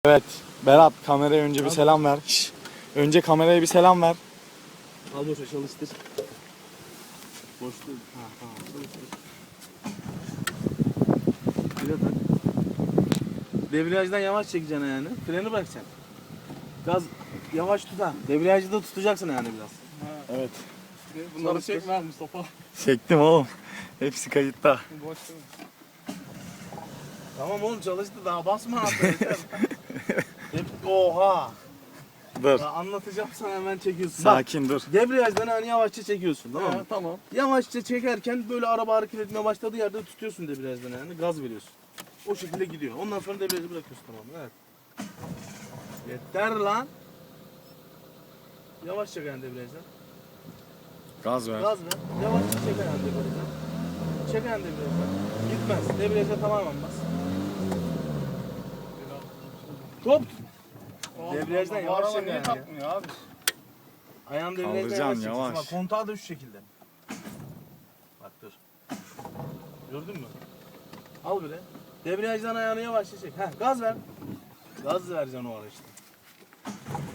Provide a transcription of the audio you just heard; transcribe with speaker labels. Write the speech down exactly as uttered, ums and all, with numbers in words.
Speaker 1: Evet, Berat kameraya önce bir selam ver. Şş, önce kameraya bir selam ver.
Speaker 2: Al boşa çalıştır. Boş değil. Ha tamam çalıştır. Bir de tak. Debriyajdan yavaş çekeceksin yani. Freni bırakacaksın. Gaz yavaş tut ha. Debriyajı da tutacaksın yani biraz.
Speaker 3: Ha,
Speaker 1: Evet.
Speaker 3: bunları
Speaker 2: Çalıştır.
Speaker 3: çekme Mustafa.
Speaker 1: Çektim oğlum. Hepsi kayıtta.
Speaker 3: Boş değil mi?
Speaker 2: Tamam oğlum çalıştı daha basma artık. Hep oha.
Speaker 1: Dur.
Speaker 2: Ya anlatacağım sana hemen çekiyorsun.
Speaker 1: Sakin dur.
Speaker 2: Bak, debriyajdan hani yavaşça çekiyorsun tamam mı?
Speaker 3: Ha, tamam.
Speaker 2: Yavaşça çekerken böyle araba hareket etmeye başladığı yerde tutuyorsun debriyajdan yani gaz veriyorsun. O şekilde gidiyor. Ondan sonra debriyajı bırakıyorsun tamam mı? Evet. Yeter lan. Yavaş çek yani debriyajdan.
Speaker 1: Gaz ver.
Speaker 2: Gaz ver. Yavaşça çek yani debriyajdan. Çek yani debriyajdan. Gitmez. Debriyaja tamamen bas. Top. Debriyajdan
Speaker 3: Bu
Speaker 2: yavaş
Speaker 3: araba
Speaker 2: çek
Speaker 3: niye
Speaker 2: yani.
Speaker 3: takmıyor abi?
Speaker 2: Ayağını debriyajdan
Speaker 1: Kaldıracaksın,
Speaker 2: yavaş çekeceksin.
Speaker 1: yavaş.
Speaker 2: Bak kontağı da şu şekilde. Bak dur. Gördün mü? Al böyle. Debriyajdan ayağını yavaşça çek. Heh, gaz ver. Gaz vereceksin o ara işte.